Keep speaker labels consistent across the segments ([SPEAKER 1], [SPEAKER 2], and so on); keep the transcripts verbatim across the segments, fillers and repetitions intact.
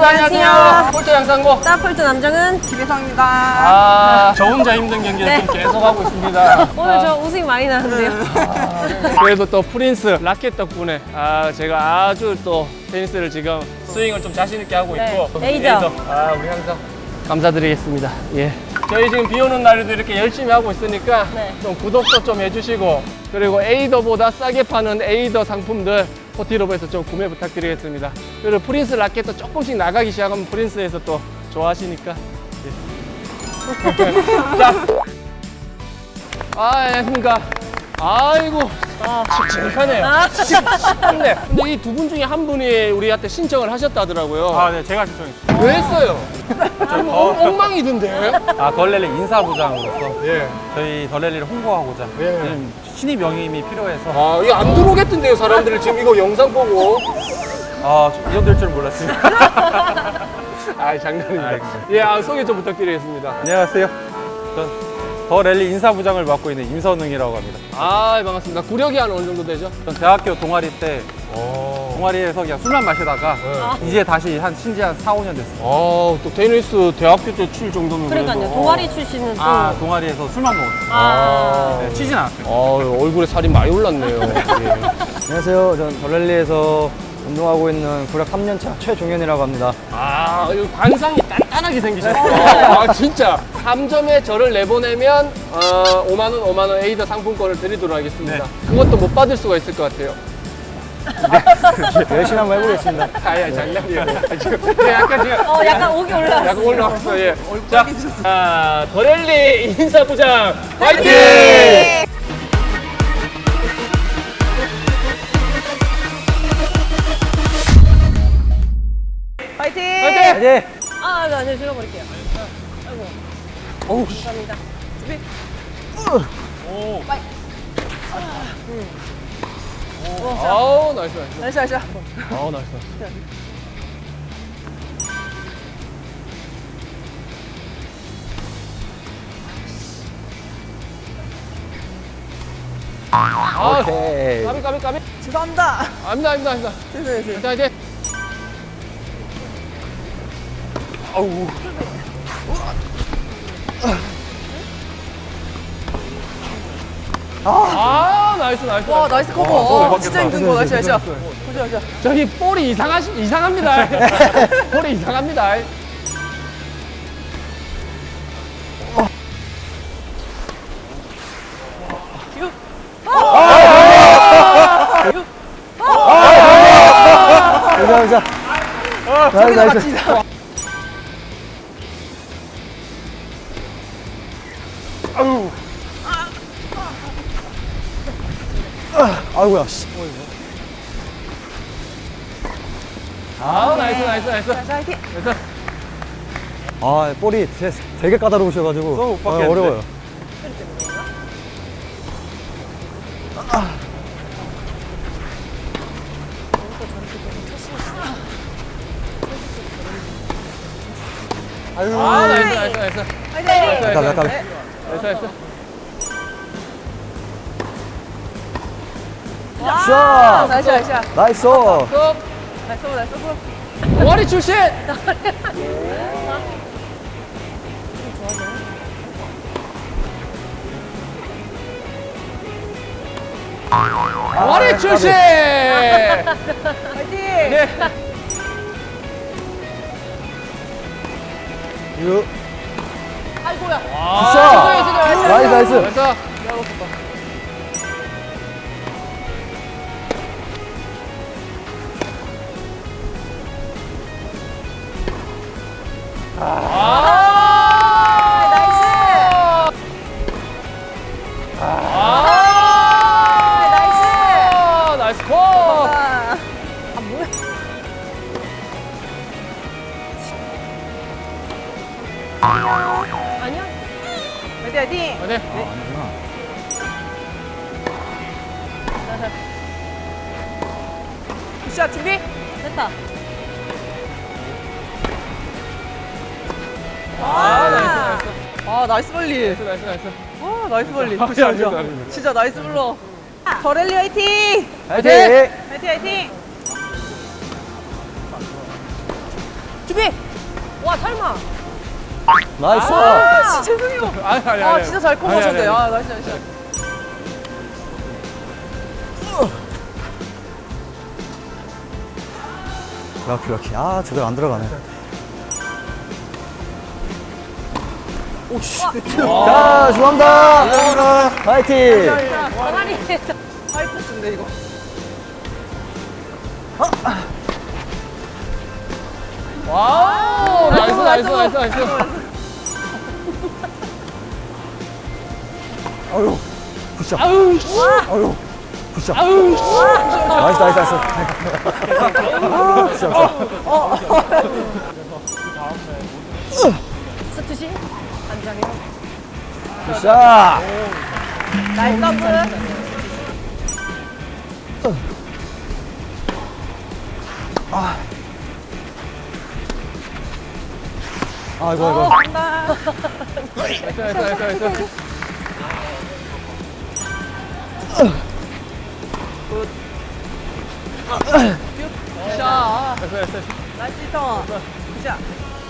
[SPEAKER 1] 안녕하세요. 폴트 양상고.
[SPEAKER 2] 따폴트 남정은
[SPEAKER 3] 김혜성입니다.
[SPEAKER 1] 아, 저 혼자 힘든 경기를
[SPEAKER 2] 네.
[SPEAKER 1] 좀 계속 하고 있습니다.
[SPEAKER 2] 오늘
[SPEAKER 1] 아,
[SPEAKER 2] 저 우승 많이 나는데요.
[SPEAKER 1] 그래도 또 프린스 라켓 덕분에 아, 제가 아주 또 테니스를 지금 스윙을 좀 자신 있게 하고
[SPEAKER 2] 네.
[SPEAKER 1] 있고.
[SPEAKER 2] 에이더.
[SPEAKER 1] 아, 우리 항상 감사드리겠습니다. 예. 저희 지금 비 오는 날에도 이렇게 열심히 하고 있으니까
[SPEAKER 2] 네.
[SPEAKER 1] 좀 구독도 좀 해주시고, 그리고 에이더보다 싸게 파는 에이더 상품들 포티로브에서 좀 구매 부탁드리겠습니다. 그리고 프린스 라켓도 조금씩 나가기 시작하면 프린스에서 또 좋아하시니까. 예. 자, 아, 안녕하십니까. 아이고,
[SPEAKER 2] 아.
[SPEAKER 1] 칙칙하네요.
[SPEAKER 2] 아.
[SPEAKER 1] 칙칙한데, 근데 이 두 분 중에 한 분이 우리한테 신청을 하셨다더라고요.
[SPEAKER 4] 아, 네, 제가 신청했습니다.
[SPEAKER 1] 왜 했어요? 좀 엉- 엉망이던데.
[SPEAKER 4] 아, 덜랠리 인사부장으로서
[SPEAKER 1] 예.
[SPEAKER 4] 저희 덜랠리를 홍보하고자
[SPEAKER 1] 예.
[SPEAKER 4] 요즘 신입 영임이 필요해서
[SPEAKER 1] 아, 이거 안 들어오겠던데요, 사람들이 지금 이거 영상 보고.
[SPEAKER 4] 아, 이 정도 될 줄 몰랐습니다.
[SPEAKER 1] 아, 장난입니다.
[SPEAKER 4] 알겠습니다.
[SPEAKER 1] 예, 아, 소개 좀 부탁드리겠습니다.
[SPEAKER 4] 안녕하세요. 전 덜랠리 인사부장을 맡고 있는 임선웅이라고 합니다.
[SPEAKER 1] 아, 반갑습니다. 구력이 한 어느 정도 되죠?
[SPEAKER 4] 전 대학교 동아리 때
[SPEAKER 1] 오.
[SPEAKER 4] 동아리에서 그냥 술만 마시다가
[SPEAKER 1] 네.
[SPEAKER 4] 이제 다시 한 신지 한 사, 오 년 됐어요.
[SPEAKER 1] 아, 또 테니스 대학교 때 칠 정도면.
[SPEAKER 2] 그러니까요.
[SPEAKER 1] 그래도.
[SPEAKER 2] 동아리 출신은 또.
[SPEAKER 4] 아, 동아리에서 술만 먹었어요.
[SPEAKER 2] 아.
[SPEAKER 4] 네, 치진 않았어요.
[SPEAKER 1] 아, 얼굴에 살이 많이 올랐네요. 예.
[SPEAKER 5] 안녕하세요. 전 덜랠리에서 운동하고 있는 구력 삼 년 차 최종현이라고 합니다.
[SPEAKER 1] 아, 이거 관상이 단단하게 생기셨어요. 아, 진짜. 삼 점에 저를 내보내면 어, 오만 원, 오만 원 에이더 상품권을 드리도록 하겠습니다.
[SPEAKER 4] 네.
[SPEAKER 1] 그것도 못 받을 수가 있을 것 같아요.
[SPEAKER 5] 열심히 한번 해보겠습니다.
[SPEAKER 1] 아야, 장난이에요. 아, 지금 네, 약간 지금
[SPEAKER 2] 어, 약간 오기 올라왔어요.
[SPEAKER 1] 약간 올라왔어. 예. 자, 아, 덜랠리 인사부장 화이팅!
[SPEAKER 3] 파이팅!
[SPEAKER 1] 화이팅!
[SPEAKER 5] 네.
[SPEAKER 2] 아, 네, 아니요, 줄여버릴게요. 아이고.
[SPEAKER 1] 어우,
[SPEAKER 2] 감사합니다.
[SPEAKER 4] 오,
[SPEAKER 1] 아우, 나이스, 나이스.
[SPEAKER 3] 나이스, 나이스.
[SPEAKER 1] 아우, 나이스, 나이스. 아,
[SPEAKER 5] 오케이.
[SPEAKER 1] 까비, 까비, 까비.
[SPEAKER 3] 죄송합니다.
[SPEAKER 1] 아닙니다, 아닙니다, 아닙니다.
[SPEAKER 3] 됐어요, 됐어요.
[SPEAKER 1] 자, 이제. 아우. 아, 나이스, 나이스.
[SPEAKER 3] 와, 나이스 커버.
[SPEAKER 4] 와,
[SPEAKER 3] 진짜 힘든 거. 나이스, 나이스. 보자, 보자.
[SPEAKER 1] 저기 볼이 이상하, 이상합니다. 볼이 이상합니다.
[SPEAKER 5] 가자, 가자. 나이스,
[SPEAKER 3] 저기도
[SPEAKER 5] 나이스.
[SPEAKER 3] 같이.
[SPEAKER 5] 아이고야. 씨.
[SPEAKER 1] 아, 나이스, 나이스, 나이스.
[SPEAKER 3] 나이스, 파이팅.
[SPEAKER 1] 나이스.
[SPEAKER 5] 아, 볼이 되게, 되게 까다로우셔가지고.
[SPEAKER 4] 너무 못
[SPEAKER 5] 아,
[SPEAKER 4] 받겠는데.
[SPEAKER 5] 어려워요.
[SPEAKER 1] 아, 나이스, 나이스, 나이스.
[SPEAKER 3] 파이팅!
[SPEAKER 5] 약간, 약간.
[SPEAKER 1] 나이스, 나이스.
[SPEAKER 5] 샷!
[SPEAKER 3] 나이스, 나이스.
[SPEAKER 5] 나이스!
[SPEAKER 1] 쏙.
[SPEAKER 3] 나이스, 나이스. 나이스.
[SPEAKER 1] 동아리 출신. 동아리 출신.
[SPEAKER 3] 파이팅!
[SPEAKER 1] 네.
[SPEAKER 5] 유.
[SPEAKER 3] 아이고야.
[SPEAKER 1] 아,
[SPEAKER 5] 굿샷.
[SPEAKER 1] 수고해, 수고해.
[SPEAKER 5] 나이스, 나이스.
[SPEAKER 1] 나이스. 아,
[SPEAKER 3] 나이스.
[SPEAKER 1] 아,
[SPEAKER 3] 나이스.
[SPEAKER 1] 나이스 컷.
[SPEAKER 3] 아, 아, 뭐야.
[SPEAKER 2] 아니야?
[SPEAKER 3] 파이팅, 파이팅.
[SPEAKER 1] 네.
[SPEAKER 3] 굿샷 준비.
[SPEAKER 2] 됐다.
[SPEAKER 1] 아, 나이스, 나이스.
[SPEAKER 3] 아, 나이스 벌리.
[SPEAKER 1] 나이스, 나이스, 나이스.
[SPEAKER 3] 와, 나이스 벌리.
[SPEAKER 1] 아니,
[SPEAKER 3] 굿샷,
[SPEAKER 1] 아니,
[SPEAKER 3] 굿샷.
[SPEAKER 1] 아니, 아니.
[SPEAKER 3] 진짜 나이스 불러. 더랠리 화이팅!
[SPEAKER 5] 화이팅!
[SPEAKER 3] 화이팅, 화이팅!
[SPEAKER 2] 준비. 와 설마.
[SPEAKER 5] 나이스.
[SPEAKER 3] 아, 씨, 죄송해요.
[SPEAKER 1] 아니 아니
[SPEAKER 3] 아,
[SPEAKER 1] 아니.
[SPEAKER 3] 진짜 잘
[SPEAKER 1] 아니, 아니,
[SPEAKER 3] 커버하셨네요.
[SPEAKER 1] 아니.
[SPEAKER 3] 아, 나이스, 나이스.
[SPEAKER 5] 럭키 럭키. 아 제대로 안 들어가네. 오씨. 자 죄송합니다. 파이팅.
[SPEAKER 2] 가만히.
[SPEAKER 3] 하이포스인데, 이거.
[SPEAKER 1] 와우 나이스 나이스 나이스 나이스.
[SPEAKER 5] 아유. 굿샷.
[SPEAKER 1] 아우 씨.
[SPEAKER 5] 아유. 굿샷.
[SPEAKER 1] 아우 씨.
[SPEAKER 5] 나이스 나이스 나이스. 아 굿샷.
[SPEAKER 2] 스투시. 안전해요.
[SPEAKER 5] 굿샷.
[SPEAKER 3] 나이스 서브.
[SPEAKER 5] 아이고 아이고.
[SPEAKER 3] 간다.
[SPEAKER 1] 나이스 나이스 나이스 나이스.
[SPEAKER 3] 자,
[SPEAKER 1] 나이스 나이스.
[SPEAKER 3] 나이스 히터. 자.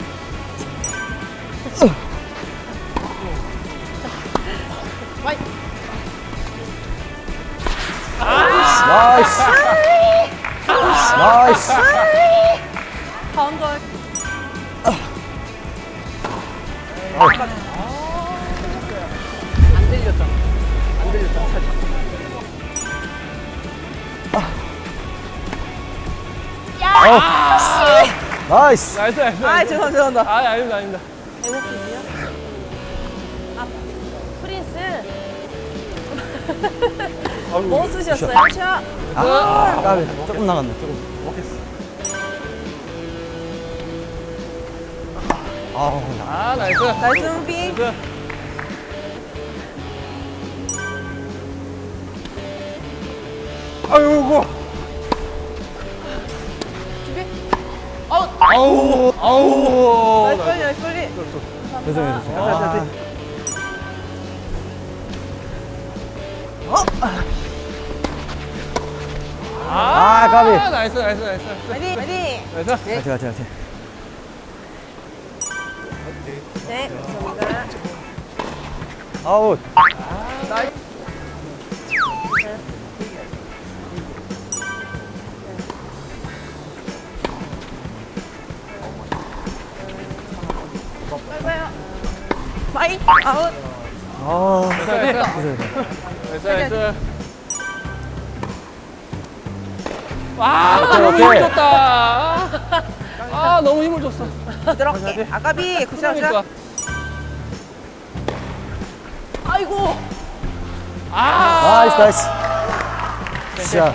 [SPEAKER 5] 나이스. 나이스.
[SPEAKER 3] 다음 걸.
[SPEAKER 1] 안 들렸다. 안 들렸다. 살짝.
[SPEAKER 5] 나이스.
[SPEAKER 1] 나이스 나이스.
[SPEAKER 3] 아, 죄송합니다, 죄송합니다.
[SPEAKER 1] 아 아닙니다 아닙니다.
[SPEAKER 2] 에너지요? 아 프린스. 뭐 쓰셨어요? 샤.
[SPEAKER 5] 아 까비. 조금 나갔네. 조금. 아우 나.
[SPEAKER 1] 아 나이스.
[SPEAKER 3] 나이스 무비.
[SPEAKER 1] 나이스. 아이고. 아우 아우 아우.
[SPEAKER 3] 나이스 빨리, 나이스 빨리.
[SPEAKER 5] 죄송해요 죄송해요.
[SPEAKER 1] 아.
[SPEAKER 5] 아, 까비.
[SPEAKER 1] 나이스 나이스 나이스.
[SPEAKER 3] 파이팅, 파이팅.
[SPEAKER 1] 나이스.
[SPEAKER 5] 같이 같이 같이.
[SPEAKER 2] 네. 감사합니다.
[SPEAKER 5] 아웃.
[SPEAKER 3] 파이 아웃.
[SPEAKER 5] 아.
[SPEAKER 1] 나이스
[SPEAKER 5] 죄송해요.
[SPEAKER 1] 나이스 나이스. 와
[SPEAKER 5] 오케이,
[SPEAKER 1] 너무
[SPEAKER 5] 오케이.
[SPEAKER 1] 힘을 줬다. 아 너무 힘을 줬어.
[SPEAKER 3] 부드럽게. 아까비 굿샷,
[SPEAKER 1] 그러니까.
[SPEAKER 3] 굿샷. 아이고.
[SPEAKER 1] 아
[SPEAKER 5] 나이스 나이스. 샷.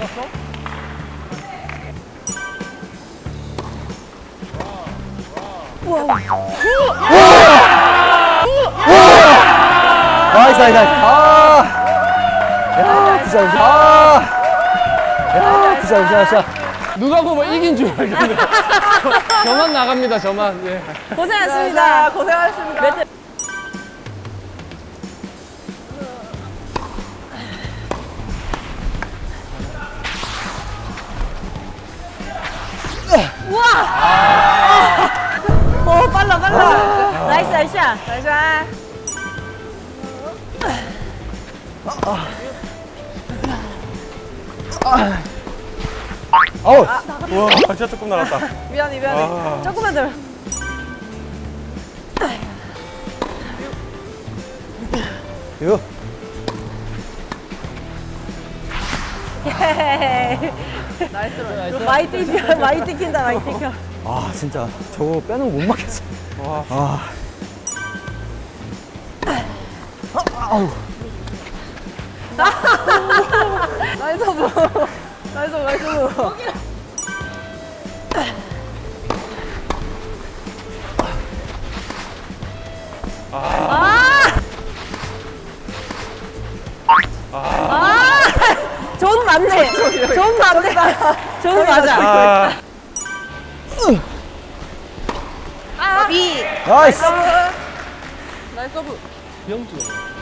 [SPEAKER 5] 나이스 나이스 나이스. 아. 야 굿샷 굿샷. 아. 야 굿샷 굿샷 굿샷.
[SPEAKER 1] 누가 보면 이긴 줄 알겠네. 저만 나갑니다 저만. 예.
[SPEAKER 2] 고생하셨습니다.
[SPEAKER 3] 자, 고생하셨습니다.
[SPEAKER 2] 매트.
[SPEAKER 3] 오, 빨라, 빨라.
[SPEAKER 2] 나이스 나이스 샷.
[SPEAKER 3] 나이스 샷.
[SPEAKER 5] 아웃.
[SPEAKER 4] 우와, 진짜 조금 나갔다.
[SPEAKER 3] 미안해, 미안해.
[SPEAKER 4] 아.
[SPEAKER 3] 조금만 더.
[SPEAKER 5] 이거.
[SPEAKER 3] 나이스.
[SPEAKER 2] 많이 뛰겨 많이 뛰긴다 많이 뛰겨.
[SPEAKER 5] 아 진짜 저거 빼는 거 못 막겠어.
[SPEAKER 4] 와.
[SPEAKER 5] 아. 아우.
[SPEAKER 3] 나이스 뭐. 나이스, 나이스 뭐.
[SPEAKER 2] 좋은 맞네. 좋은 맞네. 좋은 맞아.
[SPEAKER 4] 아,
[SPEAKER 3] 비.
[SPEAKER 5] 나이스.
[SPEAKER 3] 서브. 나이스 서브.
[SPEAKER 1] 병준.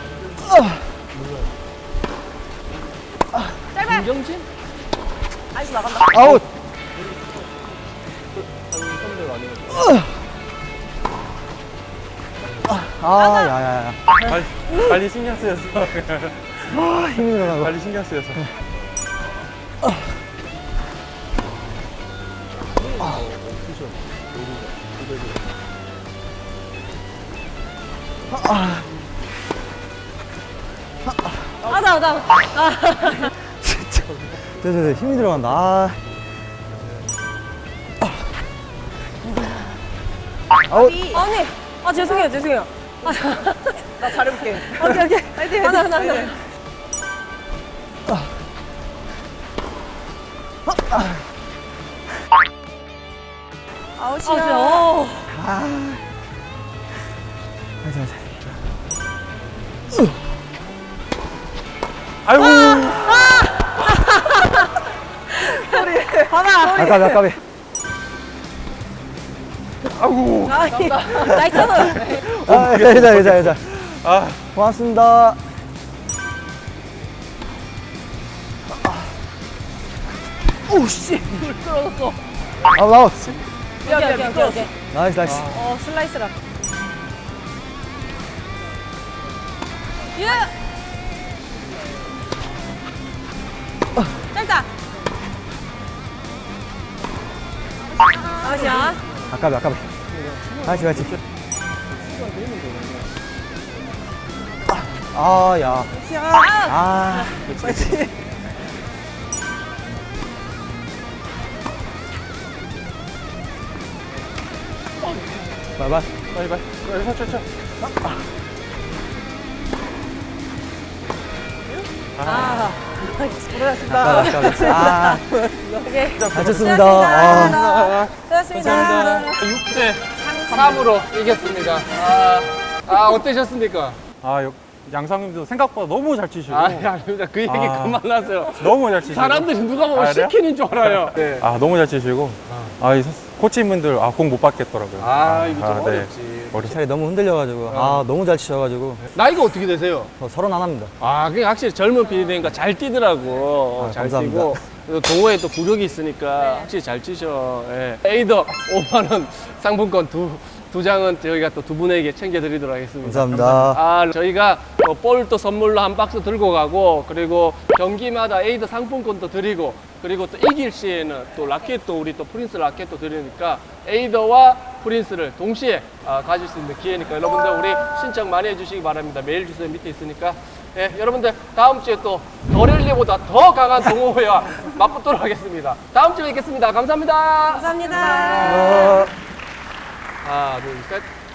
[SPEAKER 3] 짧아.
[SPEAKER 1] 김경진?
[SPEAKER 3] 나이스 나간다.
[SPEAKER 5] 아웃.
[SPEAKER 1] 선배가
[SPEAKER 5] 아, 야, 야, 야.
[SPEAKER 4] 관리, 관리 신경 쓰였어.
[SPEAKER 5] 아, 힘이 들어가고.
[SPEAKER 4] 관리 신경 쓰였어.
[SPEAKER 2] 아, 나, 나.
[SPEAKER 5] 네, 네, 네. 힘이 들어간다. 아. 아우.
[SPEAKER 2] 아니, 아, 죄송해요, 죄송해요.
[SPEAKER 3] 나 잘해볼게.
[SPEAKER 2] 오케이, 오케이.
[SPEAKER 3] 화이팅,
[SPEAKER 2] 하나, 하나,
[SPEAKER 3] 화이팅.
[SPEAKER 2] 하나. 아,
[SPEAKER 3] 아웃이야.
[SPEAKER 2] 진짜. 어.
[SPEAKER 5] 가자, 가자.
[SPEAKER 4] 아이고.
[SPEAKER 2] 봐봐.
[SPEAKER 5] 아까비, 아까비.
[SPEAKER 4] 아이고.
[SPEAKER 2] 아니, 나이스는.
[SPEAKER 5] 아, 괜찮아, 괜찮아, 괜찮아.
[SPEAKER 4] 아,
[SPEAKER 5] 고맙습니다. 오, 씨.
[SPEAKER 2] 떨어졌어.
[SPEAKER 5] 아웃, 아웃.
[SPEAKER 2] 오케이, 오케이, 오케이, 오케이.
[SPEAKER 5] 나이스, 나이스.
[SPEAKER 2] 어, 슬라이스라. 예! 짧다. 아웃이야.
[SPEAKER 5] 아까비, 아까비. 나이스, 나이스. 아, 야. 아. 바이바이.
[SPEAKER 4] 빨리 빨리. 빨리 쳐, 쳐, 쳐.
[SPEAKER 2] 아,
[SPEAKER 5] 아까비, 아까비. 아.
[SPEAKER 2] 오케이.
[SPEAKER 5] 잘 쳤습니다. 아.
[SPEAKER 2] 수고하셨습니다.
[SPEAKER 1] 육 대 삼으로 이겼습니다. 아, 아 어떠셨습니까?
[SPEAKER 4] 아, 여- 양상님도 생각보다 너무 잘 치시고.
[SPEAKER 1] 아, 아닙니다. 그 얘기
[SPEAKER 4] 아.
[SPEAKER 1] 그만하세요.
[SPEAKER 4] 너무 잘 치시고.
[SPEAKER 1] 사람들이 누가 보면
[SPEAKER 4] 아, 그래요?
[SPEAKER 1] 시키는 줄 알아요. 네.
[SPEAKER 4] 아, 너무 잘 치시고. 아, 이 선- 코치님들 아, 공 못 받겠더라고요.
[SPEAKER 1] 아, 이거 좀
[SPEAKER 4] 아, 네.
[SPEAKER 1] 어렵지.
[SPEAKER 4] 어려.
[SPEAKER 5] 살이 너무 흔들려가지고. 아, 너무 잘 치셔가지고.
[SPEAKER 1] 나이가 어떻게 되세요?
[SPEAKER 5] 저 서른 하나입니다.
[SPEAKER 1] 아, 그게 확실히 젊은 피디니까 잘 뛰더라고.
[SPEAKER 5] 아,
[SPEAKER 1] 잘
[SPEAKER 5] 감사합니다.
[SPEAKER 1] 뛰고. 그리고 동호회 또 구력이 있으니까 확실히 잘 치셔. 예. 에이더 오만 원 상품권 두, 두 장은 저희가 또 두 분에게 챙겨드리도록 하겠습니다.
[SPEAKER 5] 감사합니다.
[SPEAKER 1] 아, 저희가 어, 볼도 선물로 한 박스 들고 가고, 그리고 경기마다 에이더 상품권도 드리고, 그리고 또 이길 시에는 또 라켓도 우리 또 프린스 라켓도 드리니까 에이더와 프린스를 동시에 아, 가질 수 있는 기회니까 여러분들 우리 신청 많이 해주시기 바랍니다. 메일 주소 밑에 있으니까. 예, 여러분들 다음 주에 또 더랠리보다 더 강한 동호회와 맞붙도록 하겠습니다. 다음 주에 뵙겠습니다. 감사합니다.
[SPEAKER 2] 감사합니다.
[SPEAKER 5] 어.
[SPEAKER 1] 하나, 둘, 셋.